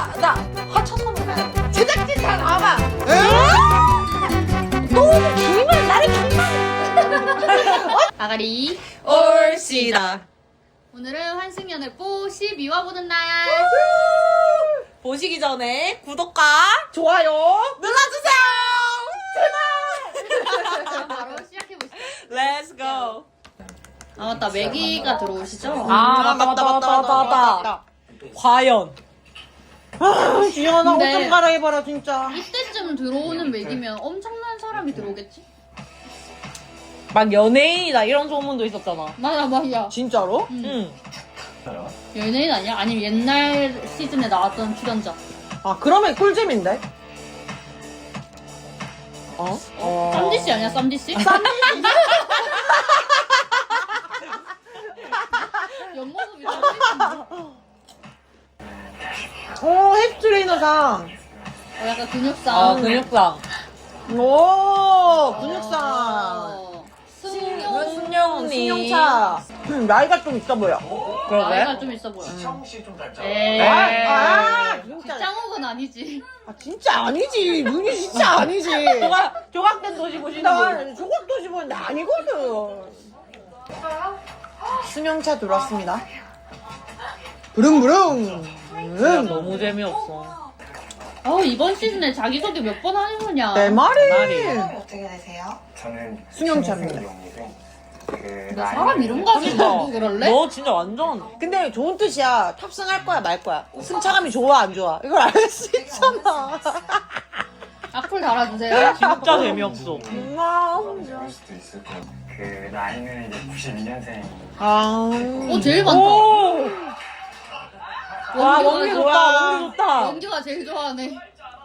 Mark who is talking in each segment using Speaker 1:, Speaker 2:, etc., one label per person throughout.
Speaker 1: 나 화쳐서 제작진 다 나와봐.
Speaker 2: 너무 길면 나를 길면.
Speaker 3: 아가리.
Speaker 2: 올시다.
Speaker 3: 오늘은 환승연애 뽀 12화 보는 날.
Speaker 2: 보시기 전에 구독과
Speaker 1: 좋아요.
Speaker 2: 눌러주세요.
Speaker 3: 그럼 바로 시작해보시죠.
Speaker 2: Let's go.
Speaker 3: 아 맞다, 매기가 들어오시죠?
Speaker 2: 아 맞다. 과연.
Speaker 1: 지연아 옷
Speaker 3: 근데-
Speaker 1: 좀 갈아입어라 진짜.
Speaker 3: 이때쯤 들어오는 매기면 엄청난 사람이 들어오겠지?
Speaker 2: 막 연예인이다 이런 소문도 있었잖아.
Speaker 3: 맞아 맞아.
Speaker 1: 진짜로?
Speaker 2: 응.
Speaker 3: 연예인 아니야? 아니면 옛날 시즌에 나왔던 출연자.
Speaker 1: 아 그러면 꿀잼인데? 어?
Speaker 3: 쌈디씨 아니야, 쌈디씨? 옆모습이 쌈디씨.
Speaker 1: 오 헬스트레이너상.
Speaker 3: 약간 근육상.
Speaker 2: 아 근육상.
Speaker 1: 오 근육상.
Speaker 3: 승용.
Speaker 1: 승용차. 나이가 좀 있어 보여.
Speaker 2: 그러게.
Speaker 3: 나이가 좀 있어 보여.
Speaker 4: 시좀 닮잖아.
Speaker 3: 에이.
Speaker 1: 진짜.
Speaker 3: 짱욱은 아니지.
Speaker 1: 아 진짜 아니지. 눈이 진짜 아니지.
Speaker 2: 조각된 도시 보시는
Speaker 1: 나
Speaker 2: 분.
Speaker 1: 저것도 집었는데 아니거든. 승용차 들어왔습니다. 부릉부릉.
Speaker 2: 진짜 너무 재미없어.
Speaker 3: 이번 시즌에 자기소개 몇 번 하는 거냐?
Speaker 1: 내 말이.
Speaker 2: 말이.
Speaker 5: 어떻게 되세요?
Speaker 4: 저는
Speaker 1: 승용차입니다.
Speaker 3: 너 사람 이름 가지고 뭐 그럴래?
Speaker 2: 너 진짜 완전
Speaker 1: 근데 좋은 뜻이야. 탑승할 거야 말 거야. 승차감이 좋아 안 좋아. 이걸 알 수 있잖아.
Speaker 3: 악플 달아주세요.
Speaker 2: 진짜 재미없어.
Speaker 4: 그럴 수도 있을 거예요. 그 나이는 이제 92년생.
Speaker 1: 아.
Speaker 3: 제일 많다.
Speaker 2: 오! 와
Speaker 3: 원규가
Speaker 2: 원기
Speaker 3: 좋아.
Speaker 2: 좋다. 원기 좋다.
Speaker 3: 원규가 제일 좋아하네.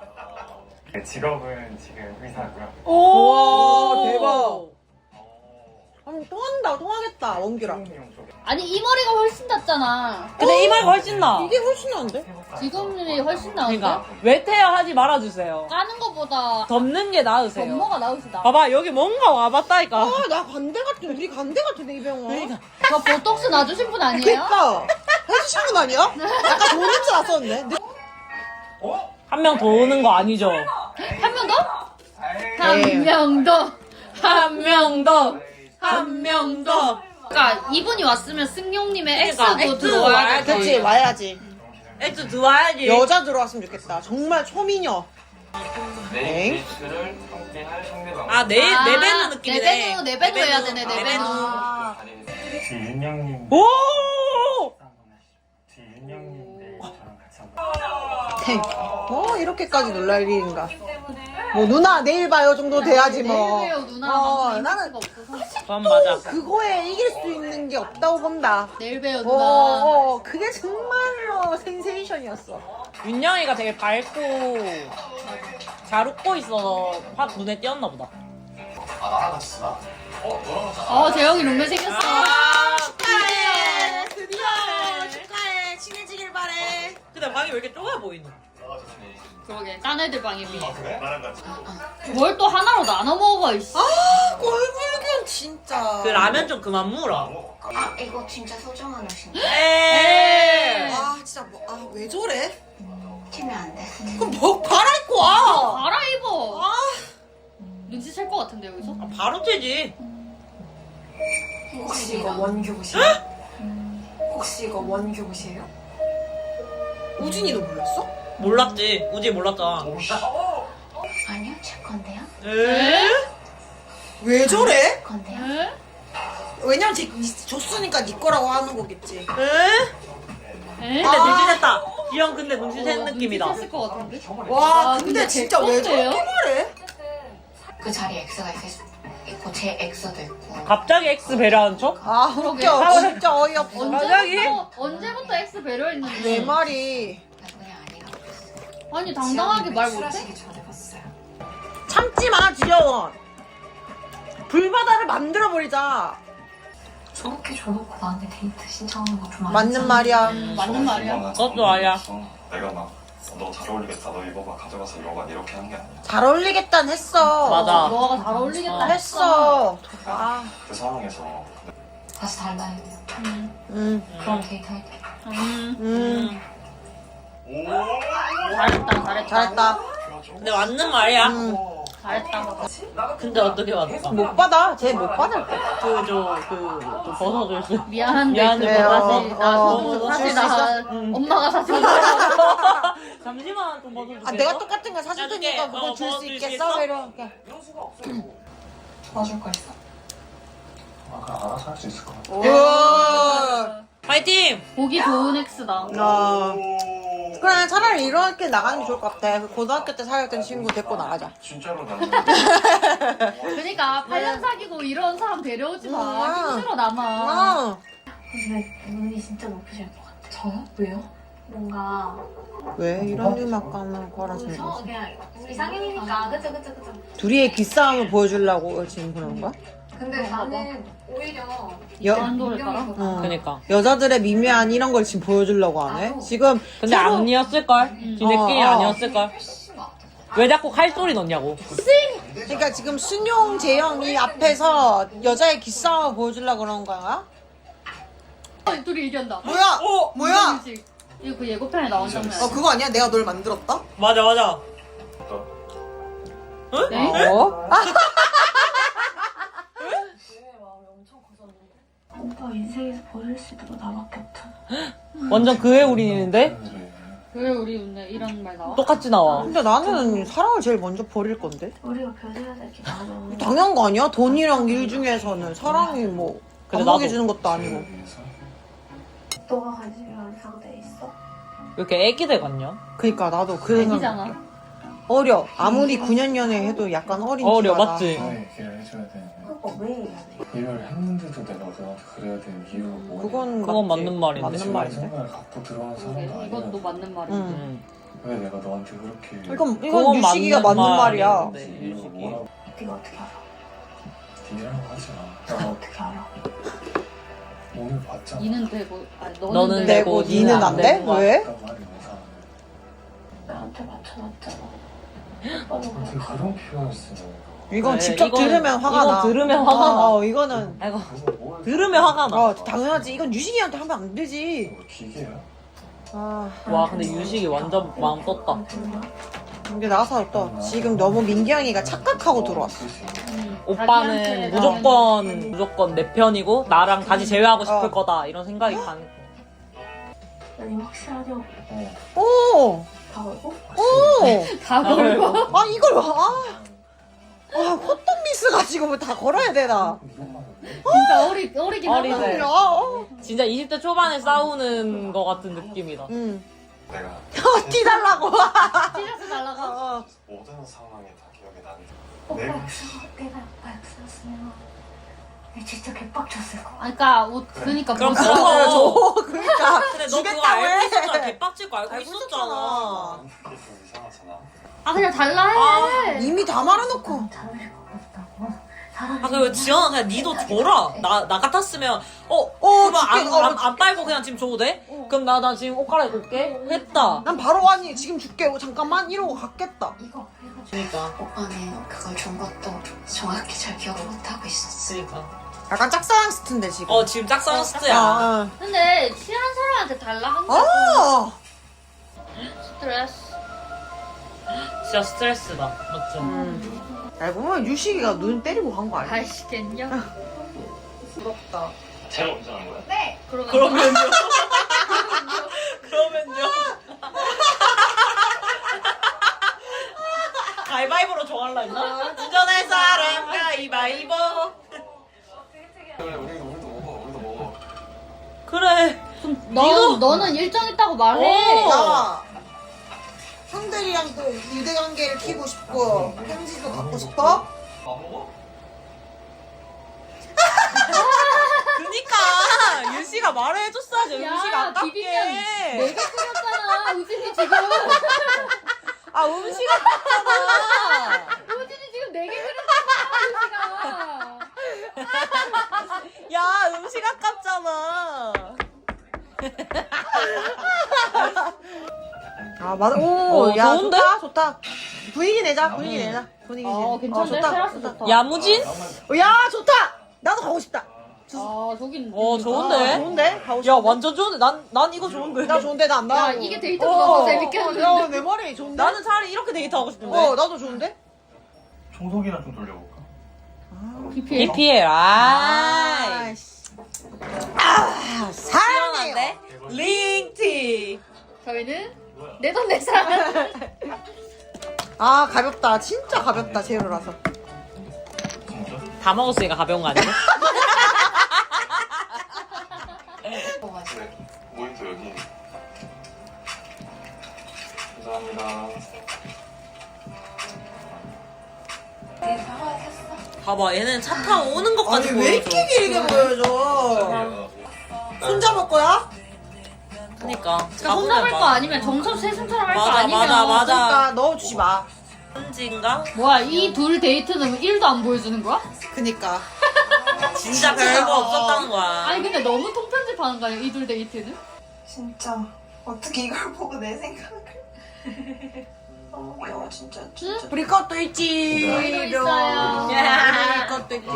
Speaker 4: 직업은 지금 의사고요.
Speaker 2: 오
Speaker 1: 대박. 아니 통하겠다 원규랑.
Speaker 4: 미용 쪽에.
Speaker 3: 아니 이 머리가 훨씬 낫잖아.
Speaker 2: 근데 이 말 훨씬 나.
Speaker 1: 이게 훨씬 나은데?
Speaker 3: 지금이 훨씬 나은데?
Speaker 2: 그러니까 외태야 하지 말아주세요.
Speaker 3: 까는 거보다
Speaker 2: 덮는 게 나으세요.
Speaker 3: 전모가 나으시다.
Speaker 2: 봐봐 여기 뭔가 와봤다니까.
Speaker 1: 나 반대 같은 우리 반대 같은데 이 병원.
Speaker 2: 그러니까.
Speaker 3: 저 보톡스 놔주신 분 아니에요?
Speaker 1: 그니까 해주신 분 아니야? 약간 좋은 냄새 났었는데.
Speaker 2: 한 명 더 오는 거 아니죠?
Speaker 3: 한 명 더?
Speaker 1: 네.
Speaker 3: 한 명 더.
Speaker 2: 한 명 더. 한 명 더.
Speaker 3: 그러니까 이분이 왔으면 승용님의
Speaker 2: 그러니까,
Speaker 3: X도
Speaker 2: X
Speaker 3: 들어와야
Speaker 2: 와야지.
Speaker 3: 돼.
Speaker 1: 그치 와야지.
Speaker 2: 엑스 들어와야지.
Speaker 1: 여자 들어왔으면 좋겠다. 정말 초미녀.
Speaker 4: 네. 데이트를 함께 할 상대방.
Speaker 2: 아 네배누 느낌이네.
Speaker 3: 네배누 해야 되네, 네배누.
Speaker 4: 뒤윤영님.
Speaker 2: 오!
Speaker 4: 뒤윤영님 내일 저랑 같이 한번.
Speaker 1: 뭐 이렇게까지 놀랄 일인가. 뭐 누나 내일 봐요 정도 돼야지 뭐.
Speaker 3: 내일 봬요 누나랑
Speaker 1: 나는
Speaker 3: 없어서.
Speaker 2: 그건 맞아.
Speaker 1: 그거에 이길 수 있는 게 없다고 본다.
Speaker 3: 내일 봬요 누나.
Speaker 1: 그게 정말로 센세이션이었어.
Speaker 2: 윤영이가 되게 밝고 잘 웃고 있어서 확 눈에 띄었나 보다.
Speaker 3: 재영이 룸메 생겼어.
Speaker 1: 축하해. 드디어 축하해. 친해지길 바래.
Speaker 2: 근데 방이 왜 이렇게 좁아 보이노?
Speaker 3: 그러게 딴 애들 방에 비해.
Speaker 4: 나랑 같이.
Speaker 3: 뭘 또 하나로 나눠 먹어 이씨.
Speaker 1: 꼴불견 진짜.
Speaker 2: 그 라면 좀 그만 물어.
Speaker 5: 아 이거 진짜 소중한 옷인데
Speaker 2: 에이.
Speaker 1: 진짜 왜 저래?
Speaker 5: 튀면 안 돼?
Speaker 1: 그럼 뭐 갈아입고 와.
Speaker 3: 갈아입어. 눈치챌 것 같은데 여기서?
Speaker 2: 바로 튀지.
Speaker 5: 혹시 이거 원규 옷이에요? 혹시 이거 원규 옷이에요?
Speaker 1: 우진이도 몰랐어?
Speaker 2: 몰랐지. 우지 몰랐잖아.
Speaker 5: 아니요 제 건데요?
Speaker 2: 에?
Speaker 1: 왜 저래?
Speaker 5: 건데요?
Speaker 3: 에?
Speaker 1: 왜냐면 줬으니까 네 거라고 하는 거겠지.
Speaker 2: 에?
Speaker 3: 에?
Speaker 2: 근데 눈치챘다. 지영 근데 눈치챈 느낌이다.
Speaker 3: 눈치챘을 것 같은데?
Speaker 1: 와
Speaker 3: 근데
Speaker 1: 근데 진짜 왜
Speaker 3: 개쩐데요?
Speaker 1: 저렇게 말해?
Speaker 5: 그 자리에 X가 있고 제 X도 있고
Speaker 2: 갑자기 X 배려한 척?
Speaker 3: 그러게.
Speaker 1: 웃겨. 진짜 어이없어.
Speaker 2: 갑자기?
Speaker 3: 언제부터 X 배려했는데?
Speaker 1: 내 말이
Speaker 5: 나도 그냥 아니라고 했어.
Speaker 3: 아니 당당하게 말 못해?
Speaker 5: 전에 봤어요.
Speaker 1: 참지 마 지연. 불바다를 만들어 버리자.
Speaker 5: 저렇게 줘놓고 나한테 데이트 신청하는 거 좀
Speaker 1: 맞는 말이야.
Speaker 3: 맞는 말이야.
Speaker 2: 그것도 아니야.
Speaker 4: 내가 막 너 잘 어울리겠다. 너 이거 봐 가져가서 이거 봐 이렇게 한 게 아니야.
Speaker 1: 잘 어울리겠단 했어.
Speaker 2: 맞아.
Speaker 3: 너가 잘 어울리겠다
Speaker 1: 했어.
Speaker 4: 그 상황에서
Speaker 5: 다시 달라야 돼요.
Speaker 1: 응.
Speaker 5: 그럼 데이트 할게.
Speaker 1: 응.
Speaker 4: 오.
Speaker 1: 잘했다.
Speaker 2: 근데 맞는 말이야.
Speaker 3: 잘했다.
Speaker 2: 근데 어떻게 맞다?
Speaker 1: 못 받아. 쟤 못 받을 거.
Speaker 2: 좀 벗어줄 수.
Speaker 3: 미안한데
Speaker 2: 미안해,
Speaker 3: 사실 나 엄마가 사준 거야.
Speaker 2: 잠시만 좀 벗어줄게.
Speaker 1: 아, 내가 똑같은 거 사줄
Speaker 2: 나중에,
Speaker 1: 테니까 그거 줄 수
Speaker 2: 줄 수
Speaker 1: 있겠어?
Speaker 2: 있어?
Speaker 1: 이렇게.
Speaker 5: 도와줄 거 있어?
Speaker 4: 아까 알아서 할 수 있을 것 같아.
Speaker 1: 우와.
Speaker 2: 파이팅!
Speaker 3: 보기 좋은 X다.
Speaker 1: 그래, 차라리 이렇게 나가는 게 좋을 것 같아. 그 고등학교 때 사귀었던 친구 데리고 나가자.
Speaker 4: 진짜로 나는
Speaker 3: 그러니까 8년 사귀고 이런 사람 데려오지 마. 힘들어 남아.
Speaker 1: 어.
Speaker 6: 근데 눈이 진짜 높으실 것 같아. 저요? 왜요? 뭔가
Speaker 1: 왜 이런 음악 가는 거라 생각했어?
Speaker 6: 그냥 우리 상인이니까 그쵸.
Speaker 1: 둘이의 기싸움을 보여주려고 지금 그런 거야?
Speaker 6: 근데 나는 오히려
Speaker 3: 안도를 깔아?
Speaker 1: 어.
Speaker 2: 그니까.
Speaker 1: 여자들의 미묘한 이런 걸 지금 보여주려고 하네? 지금
Speaker 2: 근데 아니었을걸? 지네끼리 아니었을걸? 왜 자꾸 칼소리 넣냐고.
Speaker 1: 그러니까 지금 순용 재영이 앞에서 여자의 기싸움을 보여주려고 그런 거야?
Speaker 3: 둘이 얘기한다.
Speaker 1: 뭐야? 뭐야?
Speaker 3: 이거 그 예고편에 나온 장면 아니야?
Speaker 1: 그거 아니야? 내가 널 만들었다?
Speaker 2: 맞아.
Speaker 3: 네?
Speaker 1: 어?
Speaker 6: 오빠 인생에서 버릴 수 있는 거 나밖에 없잖아.
Speaker 2: 완전 그애 우린인데?
Speaker 3: 왜 우리 오늘 이런 말 나와?
Speaker 2: 똑같이 나와.
Speaker 1: 근데 나는 사랑을 제일 먼저 버릴 건데?
Speaker 6: 우리가 변해야 될 게 많아.
Speaker 1: 당연한 거 아니야? 돈이랑 일 중에서는 사랑이 뭐
Speaker 2: 그래,
Speaker 1: 반복해주는 것도 아니고.
Speaker 6: 너가 관심이 완성돼 있어?
Speaker 2: 왜 이렇게 애기들 같냐?
Speaker 1: 그니까 나도 그 생각.
Speaker 3: 아니잖아.
Speaker 1: 어려. 아무리 9년 연애 해도 약간 어린
Speaker 2: 어려,
Speaker 1: 티가 나.
Speaker 2: 맞지?
Speaker 4: 너의 얘기를 해줘야 되는데
Speaker 6: 그거 왜 해야 돼?
Speaker 4: 이걸 했는데도 내가 너한테 그래야 되는 이유가 뭐냐.
Speaker 2: 그건
Speaker 1: 맞지.
Speaker 2: 맞는 말인데.
Speaker 1: 맞는
Speaker 4: 지금
Speaker 1: 말인데.
Speaker 4: 생각을 갖고 들어간 사람도
Speaker 3: 그러게,
Speaker 4: 아니야.
Speaker 3: 이것도 맞는 말이야.
Speaker 1: 응.
Speaker 4: 왜 내가 너한테 그렇게
Speaker 1: 이건
Speaker 2: 그건
Speaker 1: 유식이가 맞는 말이야.
Speaker 2: 말인데,
Speaker 4: 이유가
Speaker 2: 유식이.
Speaker 4: 뭐라고
Speaker 6: 네가 어떻게 알아?
Speaker 4: 니라고 하지 마.
Speaker 6: 너가 어떻게 알아?
Speaker 4: 오늘 봤잖아.
Speaker 3: 니는 되고, 아니
Speaker 2: 너는
Speaker 3: 너는
Speaker 1: 되고
Speaker 2: 되고
Speaker 1: 니는 안 돼?
Speaker 2: 되는 거야.
Speaker 1: 왜?
Speaker 4: 그런 말이 이상하네.
Speaker 6: 나한테 맞춰놨잖아.
Speaker 4: 어떻게 그런 표현을 쓰냐.
Speaker 1: 이건
Speaker 2: 그래,
Speaker 1: 직접
Speaker 2: 이건-
Speaker 1: 들으면 화가
Speaker 2: 이건
Speaker 1: 나.
Speaker 2: 들으면 화가 나.
Speaker 1: 이거는.
Speaker 2: 아이고,
Speaker 4: 그거 뭘
Speaker 2: 들으면 화가 나.
Speaker 1: 당연하지. 이건 유식이한테 하면 안 되지.
Speaker 4: 뭐 기계야?
Speaker 1: 아,
Speaker 2: 와, 근데 유식이 완전 마음 떴다.
Speaker 1: 이게 나가서 또 지금 너무 민경이가 착각하고 들어왔어.
Speaker 2: 오빠는
Speaker 3: 자기한테
Speaker 2: 무조건 내 편이고, 나랑 다시 제외하고 싶을
Speaker 1: 어.
Speaker 2: 거다. 이런 생각이 가는.
Speaker 6: 아니 확실하냐고.
Speaker 1: 오!
Speaker 6: 다 걸고?
Speaker 1: 오!
Speaker 3: 다 걸고.
Speaker 1: 아, 이걸, 호떡 미스 가지고 뭐 다 걸어야 되나?
Speaker 3: 진짜 어리긴
Speaker 2: 어리네.
Speaker 3: 하다.
Speaker 2: 진짜 20대 초반에 싸우는 거 같은 느낌이다.
Speaker 1: 응.
Speaker 4: 내가
Speaker 1: 티 달라고.
Speaker 3: 찢어서 날라가.
Speaker 4: 모든 상황이 다 기억이 나는데
Speaker 6: 오빠
Speaker 4: 내가
Speaker 6: 내가 오빠 엑스였으면 내가 진짜 개빡쳤을 거야.
Speaker 3: 그러니까 그러니까
Speaker 2: 그럼
Speaker 3: 뭐
Speaker 2: 서로.
Speaker 1: 그러니까.
Speaker 2: 근데 너 그거
Speaker 1: 주겠다고
Speaker 2: 알고
Speaker 1: 해.
Speaker 2: 있었잖아. 개빡칠 거 알고
Speaker 1: 알고
Speaker 2: 있었잖아.
Speaker 1: 있었잖아.
Speaker 4: 그게 좀 이상하잖아.
Speaker 3: 아 그냥 달라 해.
Speaker 1: 이미 다 말해놓고.
Speaker 6: 자존심 없다고. 사람이
Speaker 2: 아, 그리고 지연아, 그냥 니도 줘라. 나 같았으면, 그러면
Speaker 1: 줄게.
Speaker 2: 안 빨고 그냥 지금 줘도 돼? 그럼 나 지금 옷 갈아입고 올게? 했다.
Speaker 1: 난 바로 아니 지금 줄게. 잠깐만 이러고 갔겠다.
Speaker 6: 이거 해가지고
Speaker 2: 그니까.
Speaker 5: 오빠는 그걸 준 것도 정확히 잘 기억을 못하고 있었어.
Speaker 2: 그니까.
Speaker 1: 약간 짝사랑 스트인데 지금.
Speaker 2: 지금 짝사랑 스트야.
Speaker 1: 아,
Speaker 3: 근데 친한 사람한테 달라 한 거.
Speaker 1: 아.
Speaker 3: 스트레스.
Speaker 2: 진짜 스트레스다. 맞지?
Speaker 1: 알고 보면 유식이가 눈 때리고 간 거 아니야?
Speaker 3: 아이씨 겠냐?
Speaker 1: 부럽다.
Speaker 4: 제가 운전한 거야?
Speaker 3: 네.
Speaker 2: 그러면요. 그러면요. 가위바위보로 정할라 했나? 운전할 사람 가위바위보.
Speaker 4: 그래 우리도 먹어.
Speaker 2: 그래.
Speaker 3: 너는 일정 있다고 말해.
Speaker 1: 나 형들이랑 또 유대관계를 키고 싶고 편지도 갖고 싶어?
Speaker 2: 그니까 유씨가 말을 해줬어야지. 음식 아깝게.
Speaker 3: 비빔면 내가 끓였잖아. 우진이 지금.
Speaker 2: 아 음식 아깝잖아.
Speaker 3: 우진이 지금 4개 끓였잖아. 우진아.
Speaker 2: 야 음식 아깝잖아.
Speaker 1: 아 맞아. 오, 야
Speaker 2: 좋은데?
Speaker 1: 좋다. 분위기 내자. 분위기 내자. 분위기 내자.
Speaker 3: 괜찮은데?
Speaker 1: 좋다.
Speaker 3: 테라스 좋다.
Speaker 2: 야무진?
Speaker 1: 야 좋다. 나도 가고 싶다.
Speaker 3: 아 저긴.
Speaker 2: 좋은데?
Speaker 1: 좋은데? 가고
Speaker 2: 야,
Speaker 1: 싶어.
Speaker 2: 완전 좋은데? 난 이거 좋은데?
Speaker 1: 나 좋은데 나 안
Speaker 3: 야
Speaker 1: 나가고.
Speaker 3: 이게 데이트보다 더 재밌겠는데.
Speaker 1: 야, 내 말이 좋은데?
Speaker 2: 나는 차라리 이렇게 데이트하고 싶은데.
Speaker 1: 나도 좋은데?
Speaker 4: 청소기나 좀 돌려볼까?
Speaker 3: BPL.
Speaker 2: BPL,
Speaker 1: 사랑해요.
Speaker 2: 시원한데? 링티.
Speaker 3: 저희는 내 돈 내 사람.
Speaker 1: 아, 가볍다. 진짜 가볍다, 제로라서.
Speaker 4: 진짜?
Speaker 2: 다 먹었으니까 가벼운 거 아니야?
Speaker 4: 네. 모니터 여기. 감사합니다.
Speaker 2: 봐봐, 얘는 차 타고 오는 것까지
Speaker 1: 아니, 왜
Speaker 2: 보여줘.
Speaker 1: 이렇게 길게 보여줘? 손잡을 거야?
Speaker 2: 그니까.
Speaker 3: 손잡을 거 아니면 정섭 세순처럼 할 거
Speaker 2: 맞아,
Speaker 3: 아니면.
Speaker 2: 맞아.
Speaker 1: 그러니까 넣어주지 마.
Speaker 2: 현지인가?
Speaker 3: 뭐야 이 둘 데이트는 1도 안 보여주는 거야?
Speaker 1: 그니까.
Speaker 2: 진짜 별거 없었다는 거야.
Speaker 3: 아니 근데 너무 통편집하는 거 아니야 이 둘 데이트는?
Speaker 6: 진짜 어떻게 이걸 보고 내 생각을 너무 귀여워 진짜.
Speaker 1: 우리 것도 있지.
Speaker 3: 저희도 있어요.
Speaker 1: 우리 것도 있지.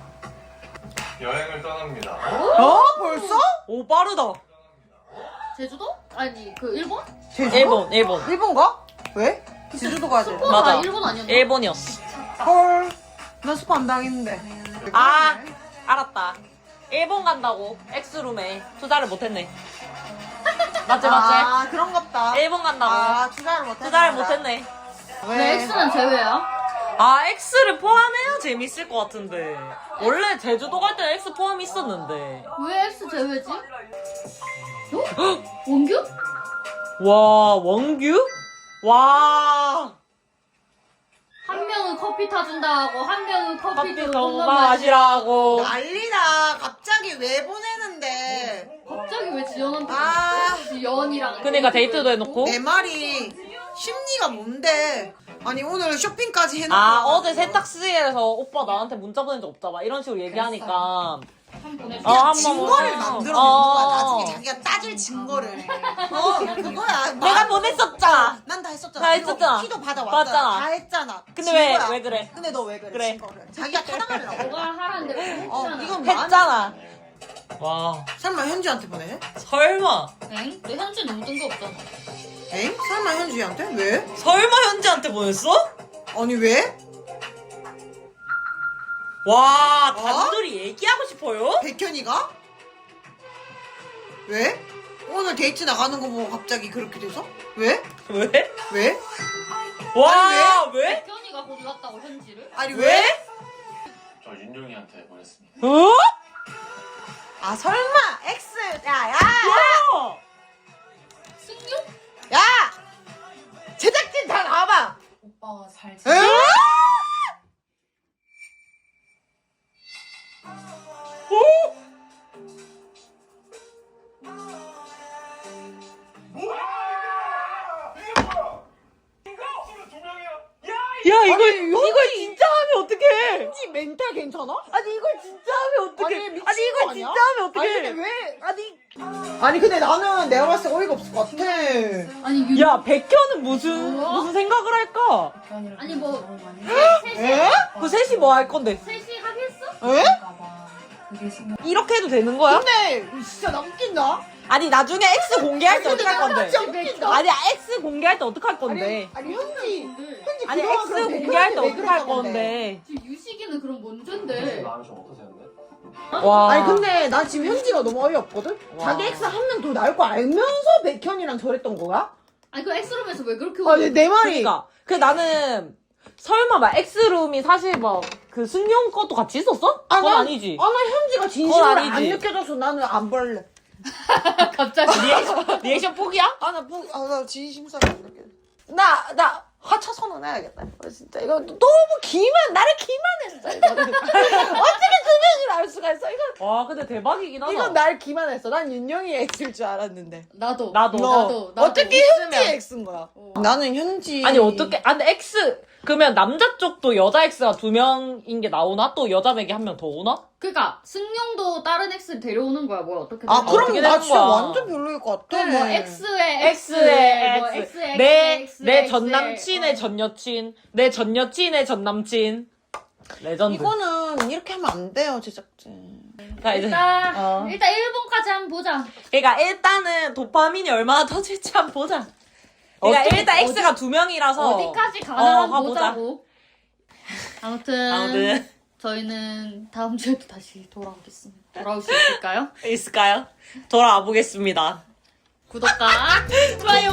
Speaker 4: 여행을 떠납니다.
Speaker 1: 벌써?
Speaker 2: 오, 빠르다.
Speaker 3: 제주도? 아니 그 일본?
Speaker 2: 일본.
Speaker 1: 일본 가? 왜? 제주도 가지.
Speaker 2: 맞아.
Speaker 3: 일본 아니었나?
Speaker 2: 일본이었어.
Speaker 1: 헐. 나 스파 안 당했는데.
Speaker 2: 아, 알았다. 일본 간다고 엑스룸에 투자를 못했네. 맞지?
Speaker 1: 아, 그런갑다.
Speaker 2: 일본 간다고
Speaker 1: 아, 투자를 못했네.
Speaker 2: 투자를 못했네.
Speaker 3: 왜 X는 제외야?
Speaker 2: 아, 엑스를 포함해야 재밌을 것 같은데. 원래 제주도 갈 때는 엑스 포함 있었는데.
Speaker 3: 왜 X 제외지? 어? 원규?
Speaker 2: 와, 원규? 와,
Speaker 3: 한 명은 커피 타준다 하고 한 명은 커피
Speaker 2: 커피
Speaker 3: 좀
Speaker 2: 너무
Speaker 3: 만
Speaker 2: 마시라고.
Speaker 1: 난리다. 갑자기 왜 보내는데.
Speaker 3: 갑자기 왜 지연한테
Speaker 1: 아.
Speaker 3: 지연이랑
Speaker 2: 그러니까 데이트도 해놓고.
Speaker 1: 내 말이 심리가 뭔데. 아니, 오늘 쇼핑까지 해놓고.
Speaker 2: 아, 어제 세탁실에서 오빠 나한테 문자 보낸 적 없다. 막 이런 식으로 얘기하니까.
Speaker 3: 한 보내.
Speaker 2: 한
Speaker 1: 증거를
Speaker 2: 번
Speaker 1: 만들어 놓는
Speaker 2: 어.
Speaker 1: 거야. 나중에 자기가 따질 증거를. 그거야.
Speaker 2: 내가 보냈었잖아.
Speaker 1: 난 다 했었잖아.
Speaker 2: 다 했었잖아.
Speaker 1: 키도 받아왔잖아.
Speaker 2: 맞잖아.
Speaker 1: 다 했잖아.
Speaker 2: 근데 왜
Speaker 1: 증거야.
Speaker 2: 그래?
Speaker 1: 근데 너 왜 그래?
Speaker 2: 그래.
Speaker 1: 증거를. 자기가 타당하려고.
Speaker 3: 너가 하라는데 왜 했잖아.
Speaker 1: 이건 뭐
Speaker 2: 했잖아. 와,
Speaker 1: 설마 현주한테 보내?
Speaker 2: 설마.
Speaker 3: 엥? 너 현지 너무 뜬금없잖아.
Speaker 1: 엥? 설마 현주한테? 왜?
Speaker 2: 설마 현지한테 보냈어?
Speaker 1: 아니 왜?
Speaker 2: 와, 단둘이 얘기하고 싶어요?
Speaker 1: 백현이가? 왜? 오늘 데이트 나가는 거 보고 갑자기 그렇게 돼서? 왜?
Speaker 2: 왜?
Speaker 1: 왜?
Speaker 2: 와, 왜?
Speaker 3: 백현이가 골랐다고 현지를?
Speaker 1: 아니
Speaker 2: 왜?
Speaker 4: 저 윤용이한테 보냈습니다.
Speaker 2: 어?
Speaker 1: 아 설마 X 야야
Speaker 2: 야!
Speaker 3: 승유?
Speaker 1: 야! 제작진 다 나와봐.
Speaker 5: 오빠가 잘
Speaker 1: 에?
Speaker 5: 지내.
Speaker 2: 야, 이걸 진짜 하면 어떡해?
Speaker 1: 현지 멘탈 괜찮아?
Speaker 2: 아니, 이걸 진짜 하면 어떡해?
Speaker 1: 아니, 미친
Speaker 2: 아니, 이걸
Speaker 1: 거 아니야?
Speaker 2: 진짜 하면 어떡해?
Speaker 1: 아니 근데 왜? 아니 근데 나는 내가 봤을 때 어이가 없을 것 같아.
Speaker 3: 아니 윤
Speaker 2: 야, 백현은 무슨 생각을 할까?
Speaker 3: 아니 뭐
Speaker 1: 에?
Speaker 2: 그 셋이 뭐 할 건데?
Speaker 3: 셋이 하겠어?
Speaker 1: 에?
Speaker 2: 이렇게 해도 되는 거야?
Speaker 1: 근데 진짜 나 웃긴다.
Speaker 2: 아니, 나중에 X 공개할 때
Speaker 1: 근데
Speaker 2: 어떡할
Speaker 1: 나
Speaker 2: 건데?
Speaker 1: 진짜 웃긴다.
Speaker 2: 아니, X 공개할 때 어떡할 건데?
Speaker 1: 아니 현지
Speaker 2: 아니,
Speaker 1: 그동안
Speaker 2: X
Speaker 1: 그럼
Speaker 2: 공개할 때
Speaker 1: 백현한테 왜
Speaker 2: 어떡할
Speaker 1: 그랬던
Speaker 2: 건데?
Speaker 3: 지금 유식이는 그럼 뭔전데?
Speaker 4: 마음이 좀 어떠세요?
Speaker 2: 와.
Speaker 1: 아니 근데 나 지금 현지가 너무 어이없거든?
Speaker 2: 와.
Speaker 1: 자기 X 한 명 더 나올 거 알면서 백현이랑 저랬던 거야?
Speaker 3: 아니 그 엑스룸에서 왜 그렇게
Speaker 1: 아니 내 말이
Speaker 2: 그러니까 나는 설마 막 X룸이 사실 막 그 승용 것도 같이 있었어? 그건 아니지.
Speaker 1: 나 현지가 진심으로
Speaker 2: 그건
Speaker 1: 안
Speaker 2: 아니지.
Speaker 1: 느껴져서 나는 안 볼래.
Speaker 3: 갑자기
Speaker 2: 리액션 포기야?
Speaker 1: 나 진심사가 안 느껴져. 나 하차선언 해야겠다. 진짜 이거 너무 나를 기만했어. 이거는. 어떻게 두 명이 나올 수가 있어?
Speaker 2: 와, 근데 대박이긴 하다.
Speaker 1: 이건 날 기만했어. 난 윤영이 X일 줄 알았는데.
Speaker 3: 나도
Speaker 2: 나도.
Speaker 1: 어떻게
Speaker 2: 있으면.
Speaker 1: 현지 X인 거야? 나는 현지.
Speaker 2: 아니, 어떻게, 근데 X, 그러면 남자 쪽도 여자 X가 2명인 게 나오나? 또 여자 맥이 한 명 더 오나?
Speaker 3: 그니까 승용도 다른 X를 데려오는 거야 뭐야 어떻게
Speaker 1: 아,
Speaker 3: 되는
Speaker 1: 그럼
Speaker 2: 어떻게
Speaker 1: 나
Speaker 2: 되는
Speaker 1: 진짜
Speaker 2: 거야?
Speaker 1: 완전 별로일 것 같아.
Speaker 3: 뭐 X에
Speaker 2: X에
Speaker 3: 뭐
Speaker 2: X.
Speaker 3: X,
Speaker 2: 내
Speaker 3: X,
Speaker 2: 전 남친의 전 여친, 내 전 여친의 전 남친. 레전드.
Speaker 1: 이거는 이렇게 하면 안 돼요, 제작진.
Speaker 2: 자, 이제.
Speaker 3: 일단 1번까지 한번 보자.
Speaker 2: 그러니까 일단은 도파민이 얼마나 터질지 한번 보자. 그러니까 일단 X가 2명이라서.
Speaker 3: 어디까지 가나 한번
Speaker 2: 가보자.
Speaker 3: 보자고. 아무튼 저희는 다음 주에도 다시 돌아오겠습니다. 돌아올 수 있을까요?
Speaker 2: 있을까요? 돌아와 보겠습니다.
Speaker 3: 구독과
Speaker 2: 좋아요